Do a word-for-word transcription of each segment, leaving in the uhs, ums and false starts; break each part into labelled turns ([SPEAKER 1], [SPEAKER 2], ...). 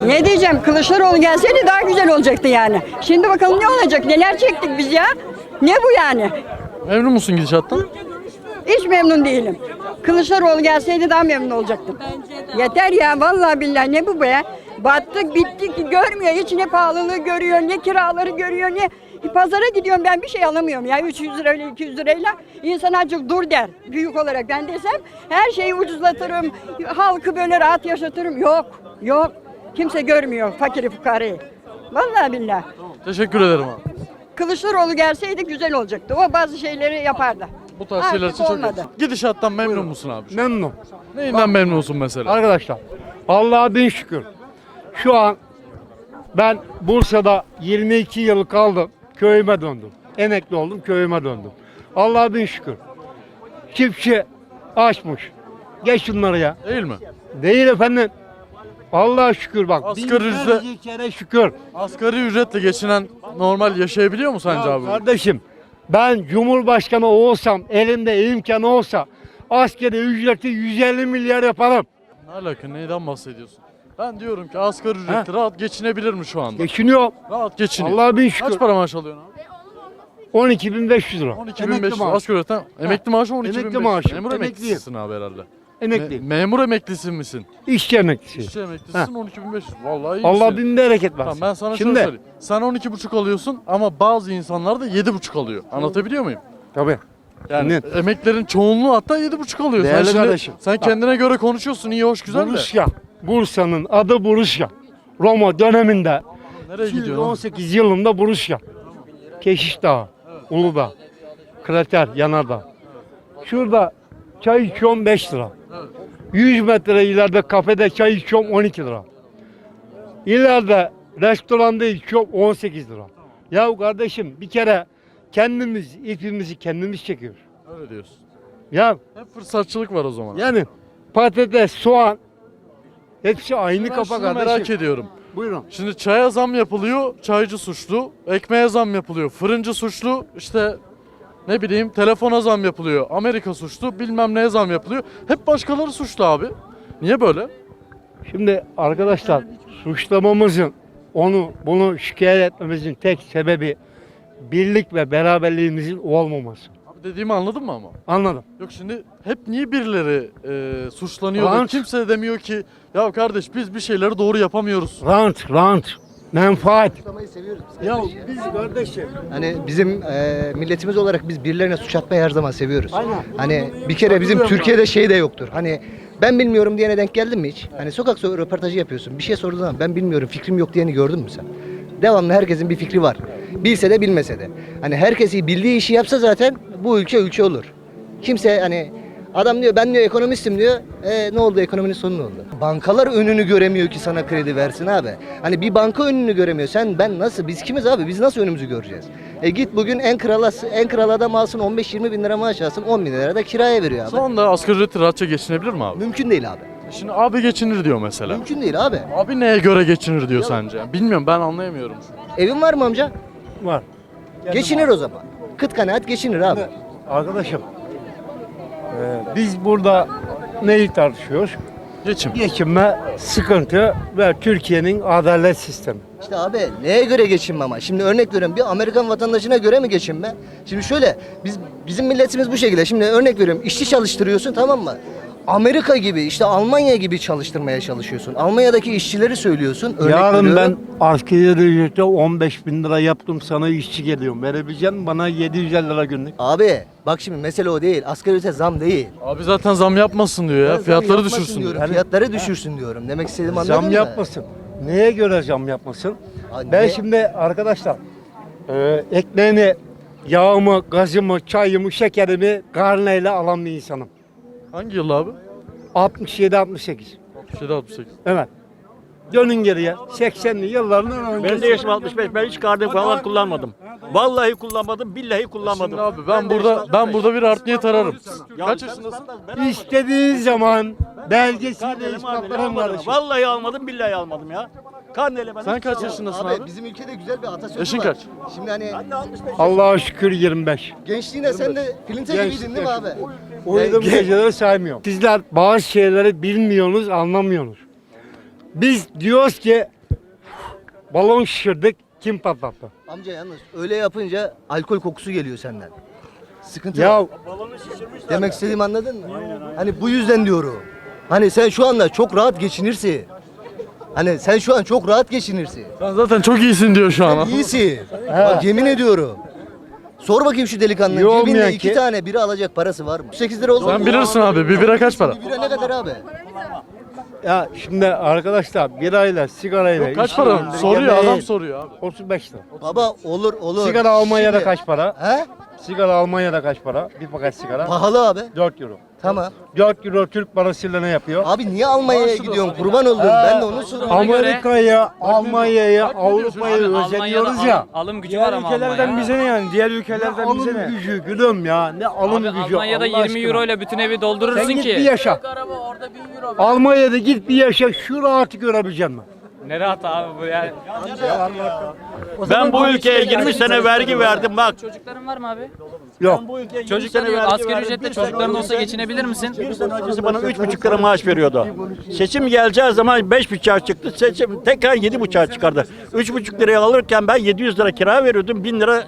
[SPEAKER 1] Ne diyeceğim? Kılıçdaroğlu gelseydi daha güzel olacaktı yani. Şimdi bakalım ne olacak? Neler çektik biz ya? Ne bu yani?
[SPEAKER 2] Memnun musun gidişattan?
[SPEAKER 1] Hiç memnun değilim. Kılıçdaroğlu gelseydi daha memnun olacaktım. Yeter ya vallahi billahi ne bu be? Battık bittik görmüyor. Hiç ne pahalılığı görüyor, ne kiraları görüyor, ne pazara gidiyorum ben bir şey alamıyorum ya üç yüz lirayla iki yüz lirayla. İnsan azıcık dur der büyük olarak ben desem her şeyi ucuzlatırım. Halkı böyle rahat yaşatırım. Yok yok kimse görmüyor fakiri fukarayı. Vallahi billahi.
[SPEAKER 2] Teşekkür ederim abi.
[SPEAKER 1] Kılıçdaroğlu gelseydi güzel olacaktı. O bazı şeyleri yapardı.
[SPEAKER 2] Bu tarz şeyler
[SPEAKER 1] Artık
[SPEAKER 2] için çok
[SPEAKER 1] olmadı.
[SPEAKER 2] Gidişattan memnun musun abi?
[SPEAKER 3] Memnun.
[SPEAKER 2] Neyinden memnunsun mesela?
[SPEAKER 3] Arkadaşlar Allah'a bin şükür. Şu an ben Bursa'da yirmi iki yıl kaldım. Köyüme döndüm. Emekli oldum köyüme döndüm. Allah'a bin şükür. Çiftçi açmış. Geç şunları ya.
[SPEAKER 2] Değil mi?
[SPEAKER 3] Değil efendim. Allah'a şükür bak.
[SPEAKER 2] Asgari
[SPEAKER 3] binlerce
[SPEAKER 2] ücret-
[SPEAKER 3] kere şükür.
[SPEAKER 2] Asgari ücretle geçinen normal yaşayabiliyor mu sence
[SPEAKER 3] Ya
[SPEAKER 2] abi?
[SPEAKER 3] kardeşim ben Cumhurbaşkanı olsam elimde imkanı olsa askeri ücreti yüz elli milyar yaparım.
[SPEAKER 2] Ne alaka? Neyden bahsediyorsun? Ben diyorum ki asgari ücretli rahat geçinebilir mi şu anda?
[SPEAKER 3] Geçiniyor.
[SPEAKER 2] Rahat geçiniyor.
[SPEAKER 3] Allah'a bin şükür.
[SPEAKER 2] Kaç para maaş alıyorsun abi?
[SPEAKER 3] on iki bin beş yüz lira.
[SPEAKER 2] on iki bin beş yüz.
[SPEAKER 3] Emekli maaş.
[SPEAKER 2] Asgari ücretten. Emekli maaşı on iki bin beş yüz.
[SPEAKER 3] Emekli maaşı.
[SPEAKER 2] Memur
[SPEAKER 3] Emekliyim.
[SPEAKER 2] emeklisisin abi herhalde.
[SPEAKER 3] Emekli.
[SPEAKER 2] Me- memur emeklisi misin?
[SPEAKER 3] İşçi emeklisi.
[SPEAKER 2] İşçi emeklisisin on iki bin beş yüz. Vallahi iyi
[SPEAKER 3] Allah
[SPEAKER 2] misin?
[SPEAKER 3] bin bereket versin.
[SPEAKER 2] Tamam ben sana
[SPEAKER 3] Şimdi,
[SPEAKER 2] şöyle söyleyeyim. Sen on iki buçuk alıyorsun ama bazı insanlar da yedi buçuk alıyor. Anlatabiliyor muyum?
[SPEAKER 3] Tabii.
[SPEAKER 2] Yani
[SPEAKER 3] Net.
[SPEAKER 2] emeklerin çoğunluğu hatta yedi buçuk alıyor.
[SPEAKER 3] Değerli
[SPEAKER 2] sen şimdi,
[SPEAKER 3] kardeşim.
[SPEAKER 2] sen kendine göre konuşuyorsun iyi hoş güzel de.
[SPEAKER 3] Buruşya. Bursa'nın adı Buruşya. Roma döneminde
[SPEAKER 2] Nereye gidiyorsun?
[SPEAKER 3] on sekiz yılında Buruşya. Keşiş Dağı, Uludağ, Krater, Yanardağ. Şurada çay içiyorum beş lira. yüz metre ileride kafede çay içiyorum on iki lira. İleride restoranda içiyorum on sekiz lira. Ya kardeşim bir kere kendimiz ipimizi kendimiz çekiyoruz.
[SPEAKER 2] Öyle diyorsun.
[SPEAKER 3] Ya
[SPEAKER 2] Hep fırsatçılık var o zaman.
[SPEAKER 3] yani patates, soğan hepsi aynı
[SPEAKER 2] Ben
[SPEAKER 3] kafa
[SPEAKER 2] şunu
[SPEAKER 3] kardeşim.
[SPEAKER 2] merak ediyorum.
[SPEAKER 3] Buyurun.
[SPEAKER 2] Şimdi çaya zam yapılıyor, çaycı suçlu. Ekmeğe zam yapılıyor, fırıncı suçlu. İşte ne bileyim telefona zam yapılıyor, Amerika suçlu. Bilmem neye zam yapılıyor. Hep başkaları suçlu abi. Niye böyle?
[SPEAKER 3] Şimdi arkadaşlar suçlamamızın onu bunu şikayet etmemizin tek sebebi birlik ve beraberliğimizin olmaması.
[SPEAKER 2] Abi dediğimi anladın mı ama?
[SPEAKER 3] Anladım.
[SPEAKER 2] Yok şimdi hep niye birileri e, suçlanıyor da
[SPEAKER 3] Rant.
[SPEAKER 2] kimse de demiyor ki ya kardeş biz bir şeyleri doğru yapamıyoruz.
[SPEAKER 3] Rant, rant, menfaat.
[SPEAKER 4] Suçlamayı seviyoruz biz.
[SPEAKER 3] Ya biz kardeşim.
[SPEAKER 4] Hani bizim e, milletimiz olarak biz birilerine suç atmayı her zaman seviyoruz.
[SPEAKER 3] Aynen.
[SPEAKER 4] Hani bir kere bizim Türkiye'de şey de yoktur. Hani ben bilmiyorum diyene denk geldin mi hiç? Hani sokak so- röportajı yapıyorsun. Bir şey sorduğun zaman ben bilmiyorum fikrim yok diyeni gördün mü sen? Devamlı herkesin bir fikri var. Bilse de bilmese de. Hani herkesi bildiği işi yapsa zaten bu ülke ülke olur. Kimse hani adam diyor ben diyor ekonomistim diyor. E, ne oldu ekonominin sonu ne oldu? Bankalar önünü göremiyor ki sana kredi versin abi. Hani bir banka önünü göremiyor. Sen ben nasıl biz kimiz abi? Biz nasıl önümüzü göreceğiz? E git bugün en krala en kral adam alsın on beş yirmi bin lira maaş alsın on bin lira da kiraya veriyor abi.
[SPEAKER 2] Şu anda asgari ücretli rahatça geçinebilir mi abi?
[SPEAKER 4] Mümkün değil abi.
[SPEAKER 2] Şimdi abi geçinir diyor mesela.
[SPEAKER 4] Mümkün değil abi.
[SPEAKER 2] Abi neye göre geçinir diyor sence? Bilmiyorum ben anlayamıyorum.
[SPEAKER 4] Evin var mı amca?
[SPEAKER 3] Var.
[SPEAKER 4] Geçinir o zaman. Kıt kanaat geçinir abi.
[SPEAKER 3] Arkadaşım e, biz burada neyi tartışıyoruz?
[SPEAKER 2] Geçim.
[SPEAKER 3] Geçinme, sıkıntı ve Türkiye'nin adalet sistemi.
[SPEAKER 4] İşte abi neye göre geçinme ama? Şimdi örnek veriyorum bir Amerikan vatandaşına göre mi geçinme? Şimdi şöyle biz bizim milletimiz bu şekilde. Şimdi örnek veriyorum işçi çalıştırıyorsun tamam mı? Amerika gibi işte Almanya gibi çalıştırmaya çalışıyorsun. Almanya'daki işçileri söylüyorsun. Örnek
[SPEAKER 3] Yarın ben
[SPEAKER 4] veriyorum.
[SPEAKER 3] asgari ücrete on beş bin lira yaptım sana işçi geliyorum. Verebilecek misin bana yedi yüz elli lira günlük?
[SPEAKER 4] Abi bak şimdi mesele o değil. Asgari ücrete zam değil.
[SPEAKER 2] Abi zaten zam yapmasın diyor
[SPEAKER 4] Ben
[SPEAKER 2] ya.
[SPEAKER 4] zam
[SPEAKER 2] Fiyatları
[SPEAKER 4] yapmasın
[SPEAKER 2] düşürsün
[SPEAKER 4] diyorum.
[SPEAKER 2] diyor.
[SPEAKER 4] Fiyatları düşürsün diyorum. Demek istediğimi anladın
[SPEAKER 3] Zam
[SPEAKER 4] mı?
[SPEAKER 3] yapmasın. Neye göre zam yapmasın?
[SPEAKER 4] Abi
[SPEAKER 3] Ben
[SPEAKER 4] ne-
[SPEAKER 3] şimdi arkadaşlar e, ekmeğini, yağımı, gazımı, çayımı, şekerimi karneyle alan bir insanım.
[SPEAKER 2] Hangi yıl abi?
[SPEAKER 3] altmış yedi altmış sekiz.
[SPEAKER 2] altmış yedi altmış sekiz.
[SPEAKER 3] Evet. Dönün geriye. seksenli yıllarından önce.
[SPEAKER 5] Ben de yaşım altmış beş. Ben hiç kardım falan kullanmadım. Vallahi kullanmadım, billahi kullanmadım.
[SPEAKER 2] Şimdi abi ben
[SPEAKER 5] de
[SPEAKER 2] burada
[SPEAKER 5] yaşım
[SPEAKER 2] ben
[SPEAKER 5] altmış beş.
[SPEAKER 2] burada bir art niyet ararım.
[SPEAKER 5] Ya
[SPEAKER 2] Kaç
[SPEAKER 5] sen-
[SPEAKER 2] yaşındasın?
[SPEAKER 5] ben-
[SPEAKER 3] İstediğin zaman belgesiyle
[SPEAKER 5] Karnelimi almadım,
[SPEAKER 3] ispatlarım
[SPEAKER 5] almadım.
[SPEAKER 3] kardeşim.
[SPEAKER 5] Vallahi almadım, billahi almadım ya. Karneyle ben
[SPEAKER 2] Sen
[SPEAKER 5] hiç
[SPEAKER 2] kaç
[SPEAKER 5] almadım.
[SPEAKER 2] yaşındasın
[SPEAKER 4] Abi,
[SPEAKER 2] abi?
[SPEAKER 4] bizim ülkede güzel bir atasözü
[SPEAKER 2] Yaşın
[SPEAKER 4] var.
[SPEAKER 2] kaç?
[SPEAKER 4] Şimdi hani
[SPEAKER 5] Ben de altmış beş.
[SPEAKER 3] Allah'a şükür yirmi beş.
[SPEAKER 4] gençliğinde sen de filinte
[SPEAKER 3] Genç-
[SPEAKER 4] gibiydin değil mi abi?
[SPEAKER 3] Uyuduğum
[SPEAKER 4] Gen-
[SPEAKER 3] geceleri saymıyorum. Sizler bazı şeyleri bilmiyorsunuz, anlamıyorsunuz. Biz diyoruz ki Balon şişirdik. Kim patlattı?
[SPEAKER 4] Amca yalnız öyle yapınca alkol kokusu geliyor senden. Sıkıntı
[SPEAKER 3] Ya
[SPEAKER 4] yok. Demek istediğimi anladın mı? Hani bu yüzden diyorum. Hani sen şu anda çok rahat geçinirsin. Hani sen şu an çok rahat geçinirsin.
[SPEAKER 2] Sen zaten çok iyisin diyor şu an.
[SPEAKER 4] Sen iyisin. Bak yemin ediyorum. Sor bakayım şu delikanlının
[SPEAKER 3] İyi olmayan
[SPEAKER 4] cebinde iki
[SPEAKER 3] ki-
[SPEAKER 4] tane biri alacak parası var mı? sekiz lira oldu.
[SPEAKER 2] Sen bilirsin abi. Bir bira kaç para?
[SPEAKER 4] Bir bira ne kadar abi?
[SPEAKER 3] ya şimdi arkadaşlar birayla sigarayla
[SPEAKER 2] Kaç
[SPEAKER 3] işin
[SPEAKER 2] para?
[SPEAKER 3] yanında
[SPEAKER 2] Soruyor
[SPEAKER 3] yemeği-
[SPEAKER 2] adam soruyor abi.
[SPEAKER 3] otuz beş lira.
[SPEAKER 4] Baba olur olur.
[SPEAKER 3] Sigara Almanya'da
[SPEAKER 4] Şimdi-
[SPEAKER 3] kaç para?
[SPEAKER 4] He?
[SPEAKER 3] Sigara Almanya'da kaç para? Bir paket sigara.
[SPEAKER 4] Pahalı abi.
[SPEAKER 3] dört euro.
[SPEAKER 4] Tamam.
[SPEAKER 3] dört euro Türk parasıyla ne yapıyor?
[SPEAKER 4] Abi niye Almanya'ya gidiyorsun? Kurban olduğum. Ben de onu soruyorum.
[SPEAKER 3] Amerika'ya, Almanya'ya,
[SPEAKER 2] Bak ne diyorsun?
[SPEAKER 3] Avrupa'ya
[SPEAKER 6] Abi
[SPEAKER 3] özeniyoruz
[SPEAKER 6] Almanya'da
[SPEAKER 3] ya.
[SPEAKER 6] alım, alım gücü
[SPEAKER 7] Diğer
[SPEAKER 6] var ama
[SPEAKER 7] ülkelerden
[SPEAKER 6] Almanya'da.
[SPEAKER 7] bize ne yani? Diğer
[SPEAKER 3] Ne
[SPEAKER 7] ülkelerden bize
[SPEAKER 3] alım
[SPEAKER 7] ne?
[SPEAKER 3] gücü gülüm ya. Ne alım
[SPEAKER 6] Abi
[SPEAKER 3] gücü.
[SPEAKER 6] Almanya'da
[SPEAKER 3] Allah
[SPEAKER 6] yirmi
[SPEAKER 3] aşkına.
[SPEAKER 6] euro ile bütün evi doldurursun
[SPEAKER 3] Sen git
[SPEAKER 6] ki.
[SPEAKER 3] bir yaşa.
[SPEAKER 6] Araba orada bin euro.
[SPEAKER 3] Almanya'da git bir yaşa şu rahatı görebilecek mi?
[SPEAKER 6] Ne rahat abi bu yani.
[SPEAKER 5] Ben bu ülkeye yirmi sene vergi verdim bak.
[SPEAKER 6] Çocukların var mı abi?
[SPEAKER 3] Yok.
[SPEAKER 5] Bu ülkeye yirmi
[SPEAKER 6] Çocukların
[SPEAKER 5] sene
[SPEAKER 6] yok.
[SPEAKER 5] vergi
[SPEAKER 6] Asgari
[SPEAKER 5] verdim.
[SPEAKER 6] ücretle
[SPEAKER 5] Bir sene
[SPEAKER 6] çocukların olsa
[SPEAKER 5] önce-
[SPEAKER 6] geçinebilir misin?
[SPEAKER 5] Bir sene öncesi bana üç buçuk lira maaş veriyordu. Seçim geleceği zaman beş buçuğa çıktı. Seçim tekrar yedi buçuğa çıkardı. Üç buçuk liraya alırken ben yedi yüz lira kira veriyordum. Bin lira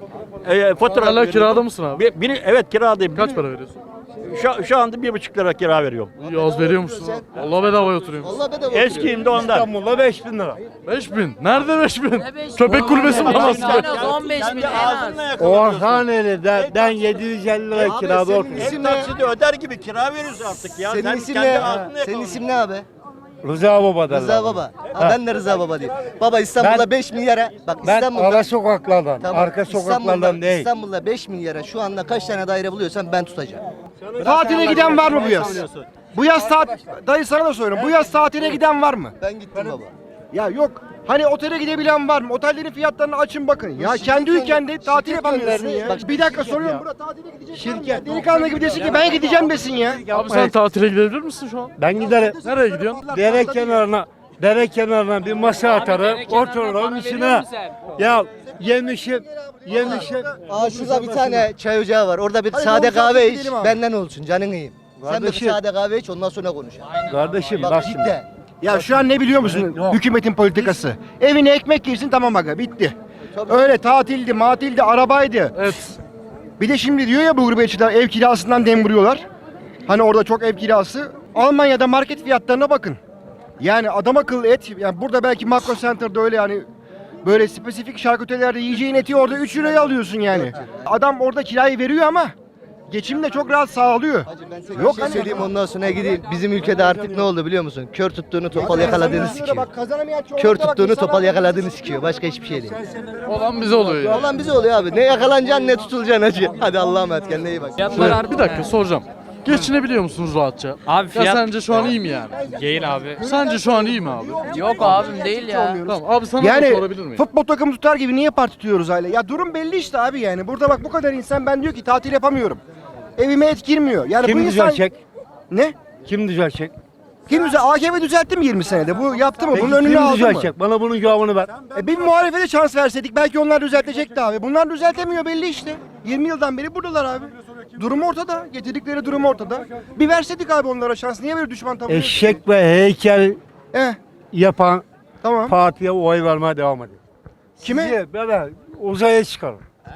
[SPEAKER 5] e, fatura
[SPEAKER 2] Hala
[SPEAKER 5] veriyordum.
[SPEAKER 2] kirada mısın abi?
[SPEAKER 5] Bir, biri, evet kiradayım.
[SPEAKER 2] Kaç
[SPEAKER 5] Biri-
[SPEAKER 2] para veriyorsun?
[SPEAKER 5] Şu, şu anda bir buçuk lira kira veriyorum.
[SPEAKER 2] İyi az veriyormuşsun abi. Allah bedavaya oturuyorsun.
[SPEAKER 4] Allah bedava oturuyor.
[SPEAKER 5] Eskiyim de ondan.
[SPEAKER 3] İstanbul'da beş bin lira.
[SPEAKER 2] beş bin. Nerede beş bin? Köpek kulübesi bulamazsın.
[SPEAKER 6] En az on beş bin en az.
[SPEAKER 3] Orhaneli de ben yedi yüz elli lira
[SPEAKER 4] Abi
[SPEAKER 3] kirada
[SPEAKER 4] senin
[SPEAKER 3] oturuyorum.
[SPEAKER 4] isim
[SPEAKER 5] Ev
[SPEAKER 4] ne?
[SPEAKER 5] taksidi öder gibi kira veriyoruz artık ya.
[SPEAKER 4] Senin
[SPEAKER 5] Sen
[SPEAKER 4] isim
[SPEAKER 5] kendi
[SPEAKER 4] ne?
[SPEAKER 5] ağzınla
[SPEAKER 4] Senin
[SPEAKER 5] yakalıyorsun.
[SPEAKER 4] isim ne abi?
[SPEAKER 3] Rıza Baba derler.
[SPEAKER 4] Rıza Baba. Ha, ben de Rıza Baba diyeyim. Baba İstanbul'da
[SPEAKER 3] Ben-
[SPEAKER 4] beş milyara. Bak
[SPEAKER 3] Ben
[SPEAKER 4] İstanbul'da.
[SPEAKER 3] ara sokaklardan,
[SPEAKER 4] Tamam,
[SPEAKER 3] arka
[SPEAKER 4] İstanbul'da-
[SPEAKER 3] sokaklardan değil.
[SPEAKER 4] İstanbul'da beş milyara şu anda kaç tane daire buluyorsan ben tutacağım.
[SPEAKER 8] Tatile giden var mı bu yaz? Bu yaz tat dayı sana da soruyorum. Bu yaz tatile giden var mı?
[SPEAKER 4] Ben gittim baba.
[SPEAKER 8] Ya yok. Hani otele gidebilen var mı? Otellerin fiyatlarını açın bakın. Ya kendi ülkende tatil
[SPEAKER 4] şirket
[SPEAKER 8] yapamıyorsun
[SPEAKER 4] gönderdi.
[SPEAKER 8] ya.
[SPEAKER 4] Bak,
[SPEAKER 8] Bir dakika soruyorum. Burada tatile gidecek. Şirket. Delikanlı gibi desin ki ben gideceğim desin ya.
[SPEAKER 2] Abi sen tatile gidebilir misin şu an?
[SPEAKER 3] Ben giderim.
[SPEAKER 2] Nereye gidiyorsun?
[SPEAKER 3] Dere kenarına, dere kenarına bir masa atarım,
[SPEAKER 6] dere kenarına
[SPEAKER 3] otururum
[SPEAKER 6] para veriyor
[SPEAKER 3] içine.
[SPEAKER 6] musun sen?
[SPEAKER 3] Ya yemişim, yemişim.
[SPEAKER 4] Aa şurada bir tane çay ocağı var. Orada bir
[SPEAKER 8] Hadi
[SPEAKER 4] sade
[SPEAKER 8] yolcu
[SPEAKER 4] kahve iç.
[SPEAKER 8] gidelim abi.
[SPEAKER 4] Benden olsun canın iyiyim. Sen bir
[SPEAKER 3] Kardeşim.
[SPEAKER 4] sade kahve iç ondan sonra konuşalım.
[SPEAKER 3] Kardeşim bak
[SPEAKER 4] Bak
[SPEAKER 3] şimdi.
[SPEAKER 4] cidden.
[SPEAKER 8] Ya şu an ne biliyor musun?
[SPEAKER 3] Yok.
[SPEAKER 8] Hükümetin politikası. Evine ekmek yersin tamam aga bitti. Öyle tatildi, matildi, arabaydı.
[SPEAKER 2] Evet.
[SPEAKER 8] Bir de şimdi diyor ya bu gurbetçiler ev kirasından dem vuruyorlar. Hani orada çok ev kirası. Almanya'da market fiyatlarına bakın. Yani adam akıllı et. Yani burada belki Makro Center'da öyle yani böyle spesifik şarküterilerde yiyeceğin eti orada üç liraya alıyorsun yani. Adam orada kirayı veriyor ama geçimini de çok rahat sağlıyor.
[SPEAKER 4] Yok
[SPEAKER 8] Yok
[SPEAKER 4] şey
[SPEAKER 8] hani-
[SPEAKER 4] söyleyeyim ondan sonra gideyim. Bizim ülkede artık ne oldu biliyor musun? Kör tuttuğunu topal yakaladığını sikiyor.
[SPEAKER 8] Bak kazanamayan çoğunlukla
[SPEAKER 4] Kör
[SPEAKER 8] bak
[SPEAKER 4] tuttuğunu
[SPEAKER 8] insanlar-
[SPEAKER 4] topal yakaladığını sikiyor. Başka hiçbir şey değil.
[SPEAKER 2] Olan bize oluyor ya.
[SPEAKER 4] Olan bize oluyor abi. Ne yakalanacaksın ne tutulacaksın hacı. Hadi Allah'a emanet kendine iyi bak.
[SPEAKER 6] Fiyatlar
[SPEAKER 2] Evet,
[SPEAKER 6] arttı.
[SPEAKER 2] bir dakika soracağım. Geçinebiliyor musunuz rahatça?
[SPEAKER 6] Abi
[SPEAKER 2] Ya
[SPEAKER 6] fiyat-
[SPEAKER 2] sence şu an iyi mi yani?
[SPEAKER 6] Değil abi.
[SPEAKER 2] Sence şu an iyi mi abi?
[SPEAKER 6] Yok abim değil ya.
[SPEAKER 2] Tamam abi sana da
[SPEAKER 8] Yani
[SPEAKER 2] sorabilir miyim?
[SPEAKER 8] futbol takımı tutar gibi niye parti tutuyoruz aile? Ya durum belli işte abi yani. Burada bak bu kadar insan ben diyor ki tatil yapamıyorum. Evime et girmiyor. Yani
[SPEAKER 3] Kim
[SPEAKER 8] bu insan...
[SPEAKER 3] düzelecek?
[SPEAKER 8] Ne?
[SPEAKER 3] Kim düzelecek?
[SPEAKER 8] Kim düzel? A K P düzeltti mi yirmi senede? Bu yaptı mı?
[SPEAKER 3] Peki
[SPEAKER 8] Bunun önünü
[SPEAKER 3] kim
[SPEAKER 8] aldı mı?
[SPEAKER 3] düzelecek? Bana bunun cevabını ver.
[SPEAKER 8] E bir muhalefete şans verseydik belki onlar düzeltecekti abi. Bunlar düzeltemiyor belli işte. yirmi yıldan beri buradalar abi. Durum ortada. Getirdikleri durum ortada. Bir verseydik abi onlara şans. Niye böyle düşman tavır?
[SPEAKER 3] Eşek ve heykel
[SPEAKER 8] Eh
[SPEAKER 3] yapan
[SPEAKER 8] tamam.
[SPEAKER 3] partiye oy vermeye devam edin.
[SPEAKER 8] Kime?
[SPEAKER 3] Sizi böyle uzaya çıkarın.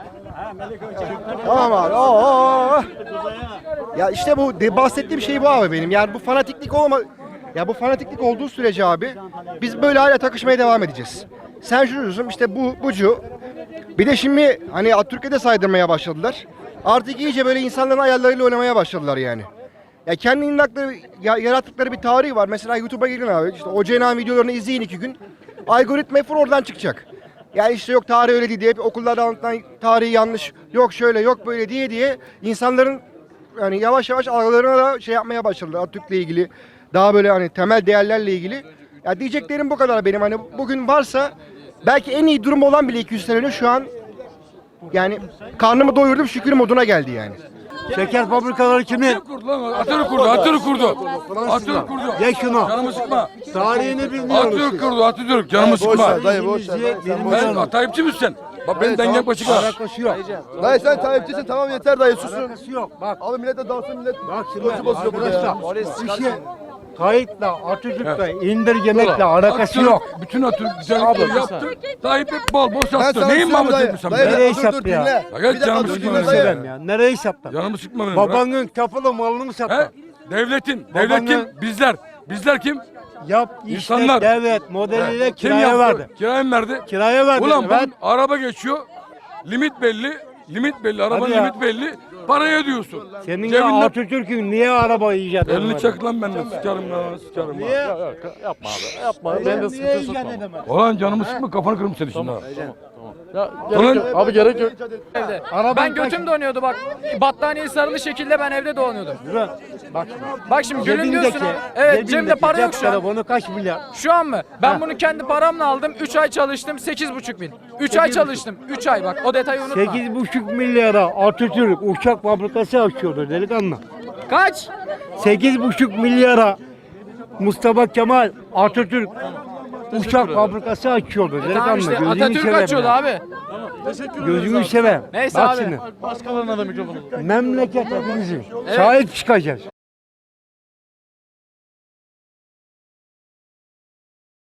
[SPEAKER 8] Tamam abi. Oo, oo, oo. Ya işte bu de bahsettiğim şey bu abi benim. Yani bu fanatiklik olma ya bu fanatiklik olduğu sürece abi biz böyle hala takışmaya devam edeceğiz. Sen şunu diyorsun işte bu bucu. Bir de şimdi hani Atatürk'e saydırmaya başladılar. Artık iyice böyle insanların ayarlarıyla oynamaya başladılar yani. Ya kendi inandıkları, ya, yarattıkları bir tarihi var. Mesela YouTube'a girin abi. İşte o Cenab videolarını izleyin iki gün. Algoritma hep oradan çıkacak. Yani işte yok tarih öyle değil diye hep okullarda anlatılan tarihi yanlış. Yok şöyle yok böyle diye diye insanların yani yavaş yavaş algılarına da şey yapmaya başladılar Atatürk'le ilgili. Daha böyle hani temel değerlerle ilgili. Ya diyeceklerim bu kadar benim. Hani bugün varsa belki en iyi durum olan bile iki yüz sene önce şu an yani karnımı doyurdum şükür moduna geldi yani.
[SPEAKER 3] Şeker fabrikaları kimin?
[SPEAKER 9] kurdu lan. Atatürk kurdu, Atatürk kurdu. Atatürk kurdu.
[SPEAKER 3] Ye şunu.
[SPEAKER 9] Canımı sıkma.
[SPEAKER 3] Tarihini bilmiyoruz.
[SPEAKER 9] Atatürk kurdu, Atatürk. Canımı sıkma. Ben Tayyipçi misin sen? Bak benim dengem başık var.
[SPEAKER 3] Alakası yok.
[SPEAKER 10] Dayı sen Tayyipçisin tamam yeter dayı susun.
[SPEAKER 3] Alakası yok. Bak.
[SPEAKER 10] Abi millet de dalsın millet.
[SPEAKER 3] Bak şimdi
[SPEAKER 10] Bozuyor burada
[SPEAKER 3] arkadaşlar. Bir şey, Tayyip'le Atatürk'le indirgemekle alakası
[SPEAKER 9] Atatürk
[SPEAKER 3] yok.
[SPEAKER 9] Bütün Atatürk güzellikleri
[SPEAKER 2] Abi,
[SPEAKER 9] yaptı. Tayyip hep bol bol
[SPEAKER 10] Ben
[SPEAKER 9] sattı.
[SPEAKER 10] sana
[SPEAKER 9] Neyin
[SPEAKER 10] söylüyorum
[SPEAKER 9] Mahmut
[SPEAKER 10] dayı.
[SPEAKER 9] Etmiş sen
[SPEAKER 10] Dayı,
[SPEAKER 9] be?
[SPEAKER 3] Nereye
[SPEAKER 10] dur, dur,
[SPEAKER 3] sattı
[SPEAKER 10] dinle.
[SPEAKER 3] ya?
[SPEAKER 9] Ya
[SPEAKER 10] Bir
[SPEAKER 9] gel
[SPEAKER 10] dakika,
[SPEAKER 9] canımı
[SPEAKER 10] dur,
[SPEAKER 9] sıkma
[SPEAKER 10] dinle
[SPEAKER 9] benim.
[SPEAKER 10] dayı.
[SPEAKER 3] Söylem ya. Nereyi sattı?
[SPEAKER 9] Canımı sıkma benim. bırak.
[SPEAKER 3] Babanın kapılı malını
[SPEAKER 9] He?
[SPEAKER 3] sattı.
[SPEAKER 9] Devletin.
[SPEAKER 3] Babanın-
[SPEAKER 9] Devlet kim? Bizler. Bizler kim?
[SPEAKER 3] Yap işte
[SPEAKER 9] İnsanlar.
[SPEAKER 3] devlet modeliyle
[SPEAKER 9] Kim
[SPEAKER 3] kiraya
[SPEAKER 9] yaptı?
[SPEAKER 3] verdi.
[SPEAKER 9] Kiraya mı verdi?
[SPEAKER 3] Kiraya verdi.
[SPEAKER 9] Ulan
[SPEAKER 3] evet.
[SPEAKER 9] bu araba geçiyor. Limit belli. Limit belli. Arabanın
[SPEAKER 3] Hadi ya.
[SPEAKER 9] limit belli. Parayı ödüyorsun.
[SPEAKER 3] Senin ya
[SPEAKER 9] Cebinde
[SPEAKER 3] Atatürk'ün niye araba icat
[SPEAKER 9] elini
[SPEAKER 3] etmedi?
[SPEAKER 9] çak lan benden. Sıkarım lan. Sıkarım lan.
[SPEAKER 3] Niye?
[SPEAKER 2] Yapma abi. Yapma. Ben de sıkıntı sokma.
[SPEAKER 9] Ulan canımı sıkma kafanı kırım seni şimdi. ha.
[SPEAKER 2] Ya, gerek yok. Abi gerek yok.
[SPEAKER 6] Evde.
[SPEAKER 3] Araban
[SPEAKER 6] Ben
[SPEAKER 3] kaç-
[SPEAKER 6] götüm donuyordu bak. Battaniye sarılı şekilde ben evde dolanıyordum.
[SPEAKER 3] Bırak. Bak şimdi.
[SPEAKER 6] Bak şimdi gülüm diyorsun
[SPEAKER 3] Cebindeki-
[SPEAKER 6] ha. Evet
[SPEAKER 3] cebindeki
[SPEAKER 6] cebimde para yok
[SPEAKER 3] cep
[SPEAKER 6] şu an.
[SPEAKER 3] telefonu kaç milyar?
[SPEAKER 6] Şu an mı? Ben bunu kendi paramla aldım. üç ay çalıştım. sekiz buçuk bin. üç ay çalıştım. üç ay bak. O detayı unutma.
[SPEAKER 3] sekiz buçuk milyara Atatürk uçak fabrikası açıyordu delikanlı.
[SPEAKER 6] Kaç?
[SPEAKER 3] sekiz buçuk milyara Mustafa Kemal Atatürk uçak fabrikası açıyordu
[SPEAKER 6] Tamam
[SPEAKER 3] delikanlı.
[SPEAKER 6] işte
[SPEAKER 3] Gözünü
[SPEAKER 6] Atatürk
[SPEAKER 3] seveyim
[SPEAKER 6] açıyordu
[SPEAKER 3] ya.
[SPEAKER 6] abi.
[SPEAKER 2] Teşekkür ederiz
[SPEAKER 3] Gözünü
[SPEAKER 2] abi.
[SPEAKER 3] seveyim.
[SPEAKER 6] Neyse
[SPEAKER 3] Bak
[SPEAKER 6] abi.
[SPEAKER 3] şimdi
[SPEAKER 2] Başkalarına da mikrofonu.
[SPEAKER 3] memleket hepimizin. Sahip çıkacağız.